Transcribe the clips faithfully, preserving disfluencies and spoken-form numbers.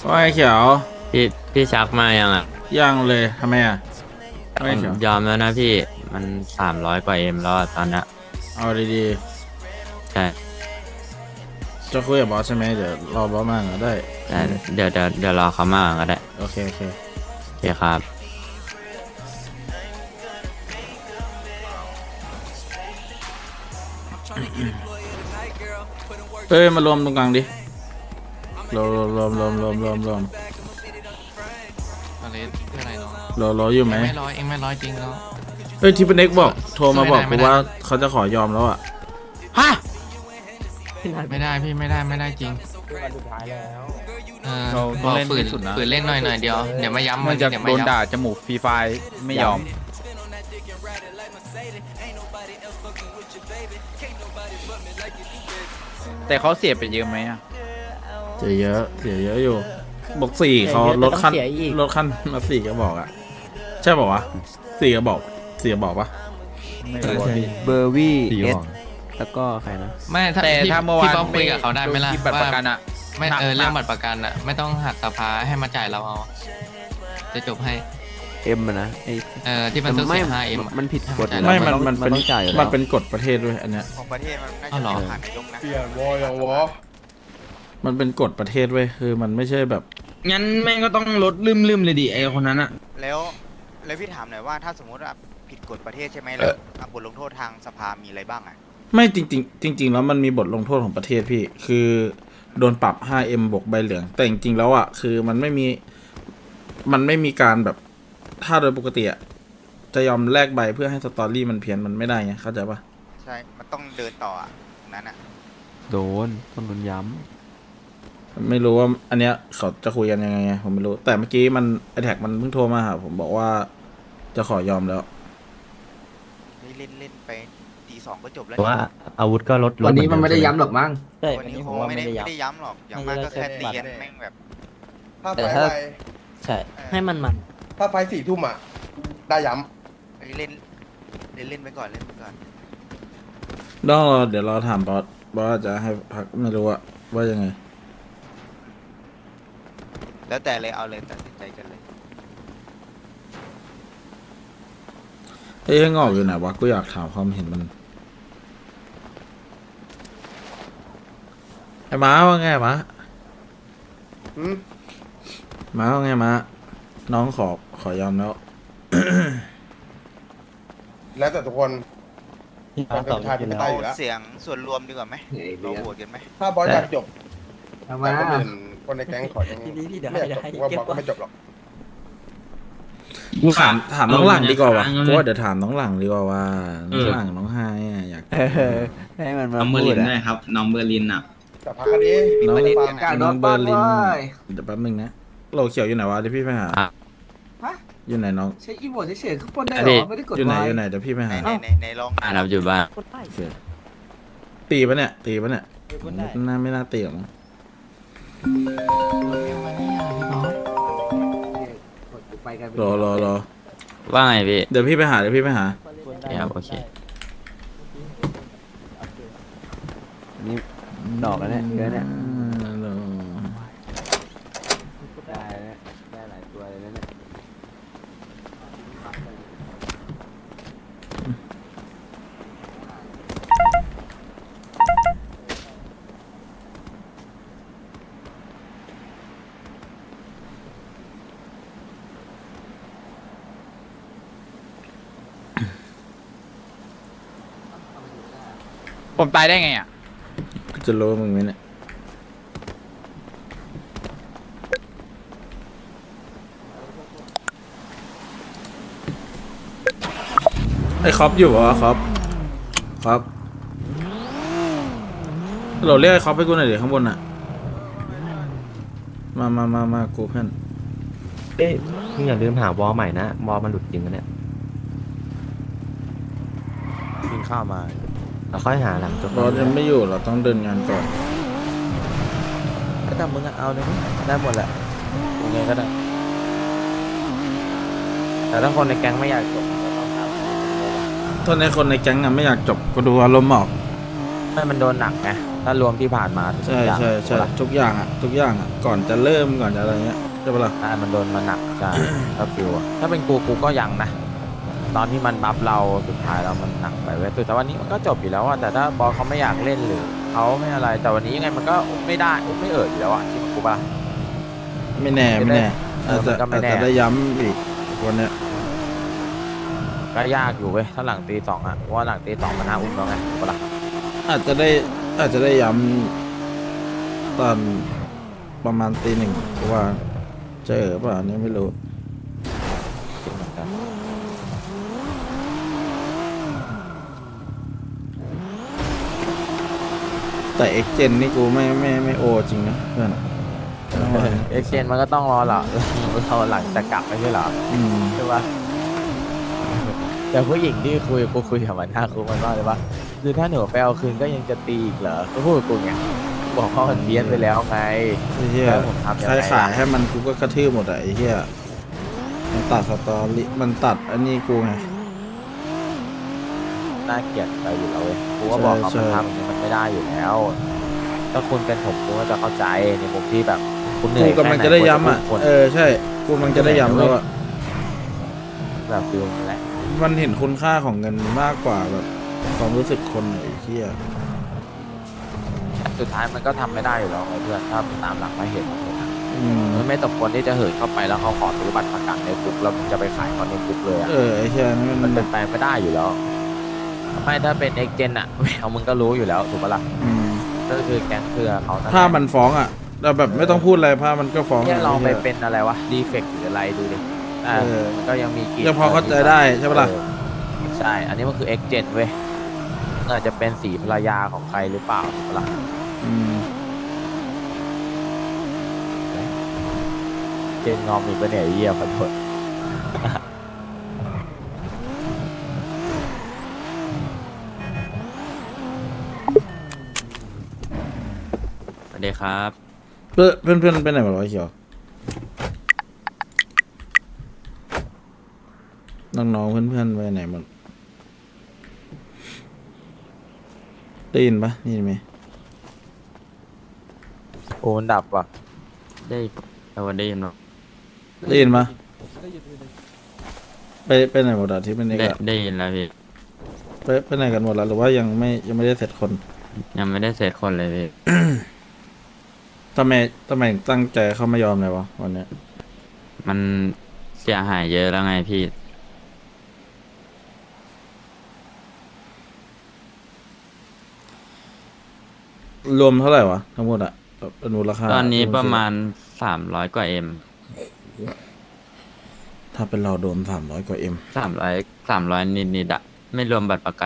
ว่าไอ้เขียวพี่พี่ชักมายังอ่ะยังเลยทำไมอ่ะผไม่มเขียวยอมแล้วนะพี่มันสามร้อยกว่าเอ็มแล้วอะตอนเนี้ยเอาดีใช่ๆจะคุยกับบอสใช่ไหมเดี๋ยวรอบอสมาก็ได้แต่เดี๋ยวเดี๋ยวเดี๋ยวรอเขามาก่อนก็ได้โอเคโอเคโอเคครับเอ้ยมารวมตรงกลางดิรวมรวมรวมรวมรวมรวมอะไรเพื่ออะไรเนาะรอรออยู่ไหมเองไม่ร้อยเองไม่ร้อยจริงเนาะเอ้ยที่เป็นเน็กบอกโทรมาบอกไม่กูได้ว่าเขาจะขอยอมแล้วอ่ะฮะไม่ได้พี่ไม่ได้ไม่ได้จริงเออเราบต้ออง กเล่นฝืนที่สุดนะฝืนเล่นหน่อยหน่อยเดียวเดี๋ยวมาย้ำมันจะเดี๋ยวโดมานด่าย้ำจมูกฟรีไฟล์ไม่ยอม แต่เขาเสียไปเยอะไหมอ่ะเสียเยอะเสียเยอะอยู่บอกสี่เขาลดขั้นลดขั้นมาสี่ก็บอกอ่ะใช่บอกวะสี่ก็บอกสี่ก็บอกปะไม่รู้ว่าพี่เบอร์วี่เอสแล้วก็ใครนะไม่ถ้าแต่พี่ถ้าเมื่อวานพี่ป๊อปคุยกับเขาได้ไหมล่ะโนคิดบัตรประกันอ่ะไม่หนักเออหนักเรื่องบัตรประกันอะไม่ต้องหักสภาให้มาจ่ายเราเอาจะจบให้เอ็มนะไอ้เออที่มันต้องไม่เสียห้าเอ็มมันผิดกฎให้ไม่าจ่ายมันเรามันเป็นต้องจ่ายอยู่แล้วมันเป็นกฎประเทศด้วยอันเนี้ยของประเทศมันน่าอ้าวเหรอจะผ่านนายกนะเปลี่ยนวออย่างวอมันเป็นกฎประเทศเว้ยคือมันไม่ใช่แบบงั้นแม่งก็ต้องลดลืมๆเลยดิไอคนนั้นอะแล้วแล้วพี่ถามหน่อยว่าถ้าสมมติว่าผิดกฎประเทศใช่ไหมแล้วอ่ะบทลงโทษทางสภามีอะไรบ้างอ่ะไม่จริงๆจริง ๆ แล้วมันมีบทลงโทษของประเทศพี่ คือโดนปรับ ห้าเอ็ม บวกใบเหลือง แต่จริงๆแล้วอ่ะคือมันไม่มีมันไม่มีการแบบถ้าโดยปกติอ่ะจะยอมแลกใบเพื่อให้สตอรี่มันเพี้ยนมันไม่ได้ไงเข้าใจปะใช่มันต้องเดินต่ออ่ะตรงนั้นอ่ะโดนต้องโดนย้ไม่รู้ว่าอันเนี้ยเขาจะคุยกันยังไงไงผมไม่รู้ แต่เมื่อกี้มันไอแท็กมันเพิ่งโทรมาหาผมบอกว่าจะขอยอมแล้วเฮ้ยเล่นเล่นไปตีสองก็จบแล้วว่าอาวุธก็ลดวันนี้มันไม่ได้ย้ำหรอกมั้งวันนี้คงไม่ได้ไม่ได้ย้ำหรอกอย่างมากก็แค่ตีกันแม่งแบบถ้าไฟแต่ถ้าไวใช่เออให้มันมันถ้าไฟสี่ทุ่มอ่ะ ได้ย้เฮ้ยเล่นเล่นเล่นไปก่อนเล่นไปก่อนต้องรอเดี๋ยวรอถามบอสบอสจะให้พักไม่รู้อะว่ายังไงแล้วแต่เลยเอาเลยตัดสินใจกันเลยเอ้ยงอกอยู่ไหนวะกูอยากถามความเห็นมันไอ้ม้าว่าไงม้าำหืมม้าว่าไงม้าน้องขอขอยอมแล้วแล้วแต่ทุกคนมันเป็นประชาธิปไตเอายอยู่แล้วเสียงส่วนรวมดีกว่าไหมเราโหวตกันไหมถ้าบอสอยากจบเอาแต่มาคนอื่นคนในแก๊งขอยังไม่อยากจบว่าบอสก็ไม่จบหรอกถามถามน้องหลังดีกว่าวะเออกูว่าเดี๋ยวถามน้องหลังดีกว่าว่าน้องหลังน้องไฮอะอยากเออให้มันมาน้องเบอร์พูลิดนอะด้วยครับ น้องเบอร์ลินอ่ะแต่พักอันนี้น้องประเด็นกันกานะรโดน้อน งเบปัอง ร์ลินเลยเดี๋ยวแป๊บนึงนะโลเขียวอยู่ไหนวะเดี๋ยวพี่ไปหาอ่ะฮะอยู่ไหนน้องใช้อีโมดเฉยๆขึ้นปนได้อันเหรนี้อไม่ได้กดอยู่ไหนไว้อยู่ไหนเดี๋ยวพี่ไปไหนหาไหนไหนไหนลองอ่ารับอยู่บ้างโอเคตีปะเนี่ยตีปะเนี่ยน่าไม่น่าตีหรอกมั้งกดไปกันรอรอรอว่าไงพี่เดี๋ยวพี่ไปหาเดี๋ยวพี่ไปหาครับโอเคนี่ดอกแล้วเนี่ยเยอะเนี่ยรอได้แล้วได้หลายตัวเลยนะเนี่ยผมตายได้ไงอ่ะกูจะรู้มึงไหมเนี่ยไอ้คอปอยู่เหรอคอปคอปเราเรียกไอ้คอปให้กูหน่อยเดี๋ยวข้างบนอ่ะ มามามามากูเพื่อนเอ้ยมึงอย่าลืมหาวอลใหม่นะวอลมันหลุดจริงนะเนี่ยกินข้าวมาเราค่อยหาหลังจบบอสยังไม่อยู่เราต้องเดินงานก่อนก็ทำมึงอะเอาเลยได้หมดแหละยังไงก็ได้ แต่ถ้าคนในแก๊งไม่อยากจบก็ต้องทำถ้าในคนในแก๊งอะไม่อยากจบก็ดูอารมณ์ออกไม่มันโดนหนักไงถ้ารวมที่ผ่านมาทุกใช่อย่างใช่ใช่ถูกปะทุกอย่างอ่ะทุกอย่างอ่ะก่อนจะเริ่มก่อนจะอะไรเงี้ยใช่ปะล่ะอ่ามันโดนมาหนักใช่ ถ้าฟิวอะถ้าเป็นกูกูก็ยังนะ ตอนที่มันบัฟเราสุดท้ายแล้วมันหนักไปเว้ยแต่วันนี้มันก็จบอยู่แล้วอะแต่ถ้าบอลเขาไม่อยากเล่นหรือเขาไม่อะไร แต่วันนี้ยังไงมันก็ไม่ได้ไม่เอ่ยอยู่แล้วอะที่มันกูปะไม่แน่ไม่แน่เออาอจมัจะนก็ไม่อาจแน่จะได้ย้ำอีกวันเนี้ยก็ยากอยู่เว้ยถ้าหลังตีสองอะเพราะว่าหลังตีสองมันน่าอุ้มแล้วไงถูกปะล่ะอาจจะได้อาจจะได้ย้ำตอนประมาณตีหนึ่งเพราะว่าเจอเปล่าอันนี้ไม่รู้จริงเหมือนกันแต่เอ็กเจนนี่กูไม่ไม่ไม่โอจริงนะเพื่อนเอ็กเซนมันก็ต้องรอเหรอเราหลังจะกลับไม่ใช่เหรออืมใช่ปะแต่ผู้หญิงที่คุยกูคุยกับมันหน้าคุกมันว่าเลยว่าคือถ้าหนูไปเอาคืนก็ยังจะตีอีกเหรอก็พูดกับกูไงบอกว่ามันเพี้ยนไปแล้วไงไอ้เหี้ยแล้วผมทำยังใครไงขายล่ะให้มันกูก็กระทืบหมดอะไอ้เหี้ยมันตัดสตอรี่มันตัดอันนี้กูไงน่าเกลียดไปอยู่แล้วเว้ยกูก็บอกเขาใช่มันทำอย่างนี้มันไม่ได้อยู่แล้ว ถ้าคุณเป็นผมคุณก็จะเข้าใจในมุมที่แบบคุณเหนื่กูอยกำลังจะได้ย้ำอ่ะแค่ไหนเออใช่กูกำลังจะได้ย้ำแล้วอ่ะแบบฟิลนั่นแหละมันเห็นคุณค่าของเงินมากกว่าแบบความรู้สึกคนไอ้เหี้ยสุดท้ายมันก็ทำไม่ได้อยู่แล้วไงเพื่อนถ้าตามหลักมาเหตุผลอะอืมมันไม่สมควรที่จะเหินเข้าไปแล้วเขาขอซื้อบัตรประกันในคุกแล้วมึงจะไปขายเขาในคุกเลยอะเออไอ้เหี้ยนี่มัมัน นแบเป็นบไปไม่ได้อยู่แล้วไม่ถ้าเป็นเอ็กเจนอะ เอามึงก็รู้อยู่แล้วถูกปะล่ะอืมก็คือแก๊งเครือเขานั่นแหละถ้ามันฟ้องอ่ะแต่แบบไม่ต้องพูดอะไรภาพมันก็ฟ้องเนี่ยลองไปไอ้หี้ยเป็นอะไรวะดีเฟกหรืออะไรดูดิอ่าเออมันก็ยังมีกลิ่นยังพอเข้าใจได้ใช่ปะล่ะเออใช่ อันนี้มันคือเอ็กเจนเว้ยอาจจะเป็นสีภรรยาของใครหรือเปล่าถูกปะล่ะอืมเจนงอมอีกปะเนี่ยไอ้เยี่ยขอโทษสวัสดีครับเพื่อนเพื่อนเพื่อนไปไหนหมดวะไอ้เขียวน้องๆเพื่อนเพื่อนๆไปไหนหมดได้ยินปะได้ยินไหมโอ้มันดับว่ะได้แต่ว่าได้ยินหรอได้ยินปะไปไปไหนหมดอะที่เป็นเอกได้อะได้ยินแล้วพี่ไปไปไหนกันหมดแล้วหรือว่ายังไม่ยังไม่ได้เสร็จคนยังไม่ได้เสร็จคนเลยพี่ทำไมทำไมถึงตั้งใจเข้ามายอมเลยวะวันเนี้ยมันเสียหายเยอะแล้วไงพี่รวมเท่าไหร่วะทั้งหมดอะแบบเป็นมูลค่าตอนนี้วประมาณสามร้อยกว่าเอ็มถ้าเป็นเราโดนสามร้อยกว่าเอ็มสามร้อยสามร้อยนิดนิดๆอะไม่รวมบัตรประกัน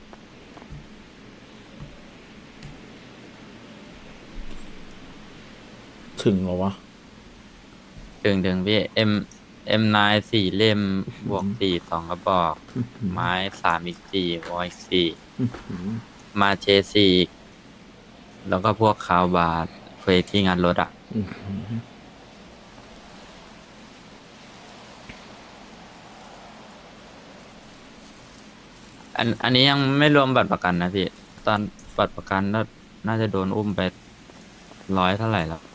ถึงเหรอวะถึงถึงพี่เอ็มเอ็มนายสี่เล่ม บวกสี่สองกระบอก ไม้สามอีกสี่วอยสี่อื้อหือมาเชสี่อีกแล้วก็พวกคาวบาร์เฟยที่งานรถอะอื้อหืออันอันนี้ยังไม่รวมบัตรประกันนะพี่ ตอนบัตรประกันน่าน่าจะโดนอุ้มไปร้อยเท่าไหร่แล้ว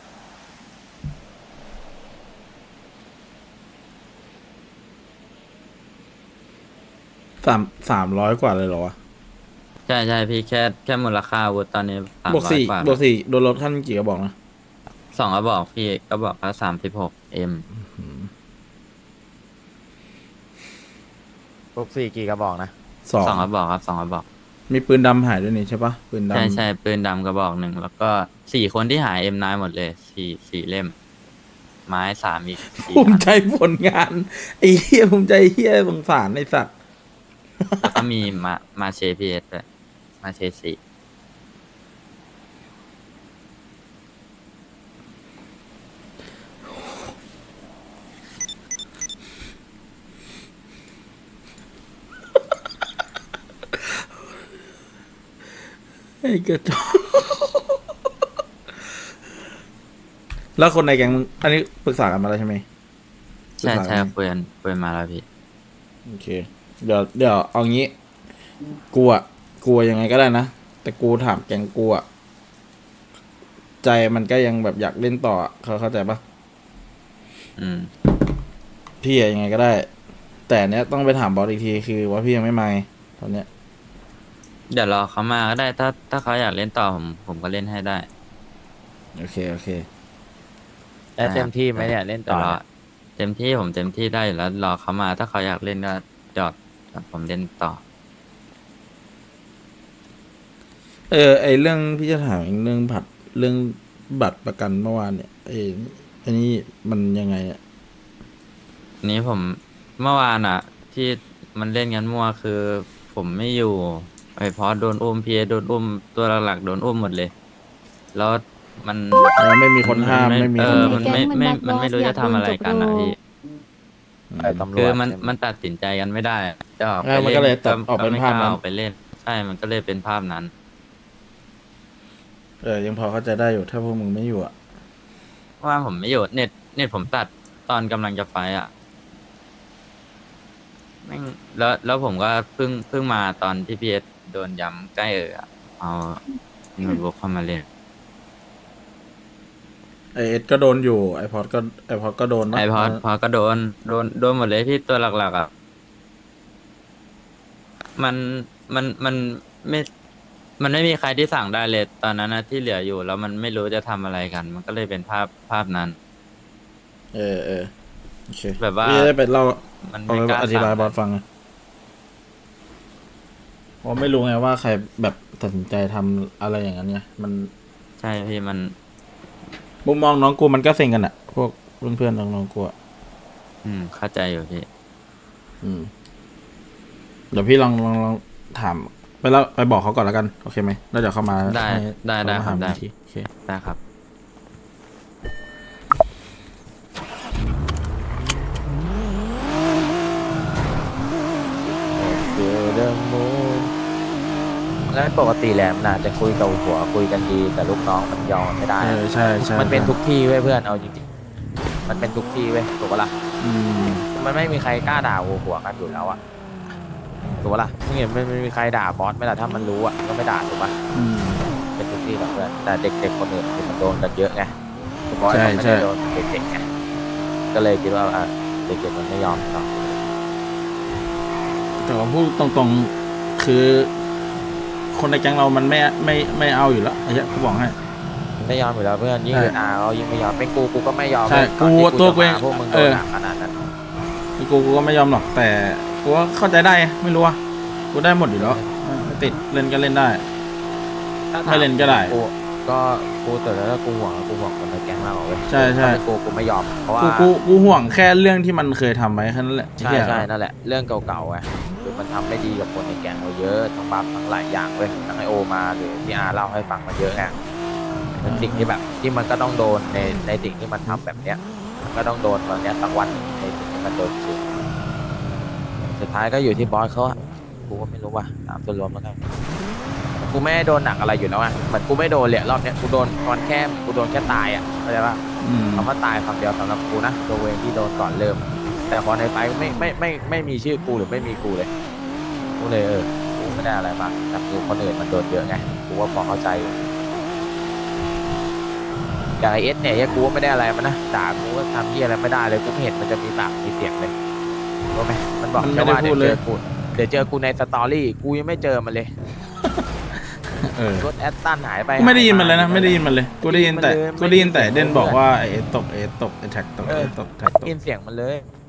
สามสามร้อยกว่าเลยเหรอวะใช่ใช่พี่แค่แค่มูลค่าอาวุธตอนนี้สามบวกร้อยสี่กว่าบวกสี่โดนลดขั้นกี่กระบอกนะสองกระบอกพี่กระบอกละสามสิบหกเอ็มพวกสี่กี่กระบอกนะสองสองกระบอกครับสองกระบอกมีปืนดำหายด้วยนี่ใช่ปะปืนดำใช่ใช่ปืนดำกระบอกหนึ่งแล้วก็สี่คนที่หายเอ็มนายหมดเลยสี่สี่เล่ม ไม้สามอีกสี่ภูมิอันใจผลงานไอ้เหี้ยภูมิใจเหี้ยสงสารไอ้สัตว์แล้วก็มีมามาเชพีเอสด้วยมาเชสี่ไอ้กระจอกแล้วคนในแก๊งมึงอันนี้ปรึกษากันมาแล้วใช่ไหมใช่ปรึกษาใช่กันไหมคุยกันคุยมาแล้วพี่โอเค เดี๋ยวเดี๋ยวเอางี้ กูอะกูยังไงก็ได้นะ แต่กูถามแก๊งกูอะใจมันก็ยังแบบอยากเล่นต่ออะเขาเข้าใจปะอืมพี่อะยังไงก็ได้ แต่เนี้ยต้องไปถามบอสอีกทีคือว่าพี่ยังไม่มาไงตอนเนี้ยเดี๋ยวรอเขามาก็ได้ ถ้าถ้าเขาอยากเล่นต่อผมผมก็เล่นให้ได้โอเคโอเคแล้วเต็มที่ไหมเนี่ยเล่นต่อเดี๋ยวรอเต็มที่ผมเต็มที่ได้อยู่แล้วรอเขามา ถ้าเขาอยากเล่นก็จอดจอดผมเล่นต่อเออไอเรื่องพี่จะถามอีกเรื่องบัตรเรื่องบัตรประกันเมื่อวานเนี่ยไออันนี้มันยังไงอ่ะนี้ผมเมื่อวานอ่ะ ที่มันเล่นกันมั่วคือ ผมไม่อยู่ไอพอโดนอุ้มพีโดนอุ้มตัวหลักๆโดนอุ้มหมดเลย แล้วมันแล้วไม่มีคนห้ามไม่มีเอคนอมันไม่ไม่มันไม่รู้จะทำอะไรกันอ่ะพี่ไอ้ตำรวจคือมันใช่ไหมันตัดสินใจกันไม่ได้อะจะออกเอไปอมันเล่นก็เลยตัดก็ออกเป็นไม่ภาพกล้นั้นออกไปเล่น ใช่มันก็เลยเป็นภาพนั้นเออยังพอเข้าใจได้อยู่ถ้าพวกมึงไม่อยู่อ่ะว่าผมไม่อยู่เน็ตเน็ตผมตัดตอนกำลังจะไฟท์อ่ะแม่งแล้วแล้วผมก็เพิ่งเพิ่งมาตอนที่พีเอสโดนย้ำใกล้เอออะเอาโน้ตบุ๊กเข้ามาเล่นไอเอสก็โดนอยู่ไอพอดก็ไอพอดก็โดนนะไอพอพอก็โดนโดนโดนหมดเลยที่ตัวหลักๆอ่ะมันมันมันไม่มันไม่มีใครที่สั่งได้เลยตอนนั้นนะที่เหลืออยู่ แล้วมันไม่รู้จะทำอะไรกัน มันก็เลยเป็นภาพภาพนั้นเออเออโอเคแบบว่าพี่จะได้ไปเล่ามันเอาไม่ไปกล้าอธิบายสั่งบอสฟังไงเพราะไม่รู้ไงว่าใครแบบตัดสินใจทำอะไรอย่างนั้นไงมันใช่พี่มันมุมมองน้องกูมันก็เซ็งกันอะพวกเพื่อนๆน้องๆกูอะอืมเข้าใจอยู่พี่อืมเดี๋ยวพี่ลองลองลองถามไปแล้วไปบอกเขาก่อนแล้วกันโอเคไหมแล้วเดี๋ยวเขามาได้ให้ได้ได้เขามาครับหาได้อีกทีโอเคได้ครับเจอเดมูแล้วปกติแหลมน่ะจะคุยกับหัวคุยกันดี แต่ลูกน้องมันยอมไม่ได้เออใช่ใช่มันเป็นทุกที่เว้ยเพื่อนเอาจริงๆมันเป็นทุกที่เว้ยถูกปะล่ะอืมมันไม่มีใครกล้าด่าหัวหัวกันอยู่แล้วอะถูกปะล่ะมึงเห็นมันไม่มีใครด่าบอสไหมล่ะถ้ามันรู้อะก็ไม่ด่าถูกปะอืมเป็นทุกที่แบบเพื่อนแต่เด็กๆคนอื่นคือมันโดนกันเยอะไงคือบอสใช่มันไม่ใช่ได้โดนเด็กๆไงก็เลยคิดว่าอ่ะเด็กๆมันไม่ยอมหรอกแต่ว่าพูดตรงๆคือ คนในแก๊งเรามันไม่ไม่ไม่เอาอยู่แล้วไอ้เหี้ยกูบอกให้ไม่ยอมอยู่แล้วเพื่อนยิ่งใช่เกินอาเขายิ่งไม่ยอมเป็นกูกูก็ไม่ยอมใช่ก่อนที่กูตัวกูจะเองมาพวกมึงโดเอน อหนักขนาดนั้นคือกูกูก็ไม่ยอมหรอกแต่กูก็เข้าใจได้ไงไม่รู้ว่ากูได้หมดอยู่แล้วไม่ติดเล่นก็เล่นได้ถ้าถาไม่เล่นก็ได้กูก็กูแต่แล้วากูห่วงกูห่วงคนในแก๊งมากกว่าเว้ยใช่ใช่ถ้าเป็นกูกูไม่ยอมเพราะว่ากูกูกูห่วงแค่เรื่องที่มันเคยทำไว้แค่นั้นแหละใช่ใช่นั่นแหละเรื่องเก่าๆไงคือมันทำไม่ดีกับคนในแก๊งเราเยอะทั้งบัฟทั้งหลายอย่างเว้ยทั้งไอโอมาหรือที่อาเล่าให้ฟังมาเยอะไงเป็นสิ่งที่แบบที่มันก็ต้องโดนในในสิ่งที่มันทำแบบเนี้ยมันก็ต้องโดนวันเนี้ยสักวันหนึ่งในสิ่งที่มันโดนจริงสุดท้ายก็อยู่ที่บอสเขาอะกูก็ไม่รู้ว่าตามส่วนรวมแล้วกันกูไม่ได้โดนหนักอะไรอยู่แล้วไงเหมือนกูไม่โดนเลยรอบเนี้ยกูโดนตอนแค่กูโดนแค่ตายอะเข้าใจปะอืมคำว่าตายคำเดียวสำหรับกูนะตัวเองที่โดนก่อนเริ่ม แต่พอในไฟล์ไม่ไม่ไม่ไม่มีชื่อกูหรือไม่มีกูเลยกูเลยเออกูไม่ได้อะไรมากแต่คือคนอื่นมันโดนเยอะไงกูว่าพอเข้าใจอยู่อย่างไอเอสเนี่ยยังกูก็ไม่ได้อะไรมันนะด่ากูก็ทำที่อะไรไม่ได้เลยกูไม่เห็นมันจะมีปากมีเสียงเลยรู้ไหมมันบอกมันไม่แค่ได้ว่าพูเดี๋ดยวเลเจยอกูเดี๋ยวเจอกูในสตอรี่กูยังไม่เจอมันเลยเออรถแอตตันหายไปกูไม่ได้ยินหามันเลยนะ ไม่ได้ยินมันเลยกูได้ยินแต่ไม่ได้ยินมันเลยกูได้ยินแต่ไม่ได้ยินเด่นบอกว่าไอ้เอสตกเอสตกไอ้แท็กตกเอเออสตกแท็กตกยินเสียงมันเลย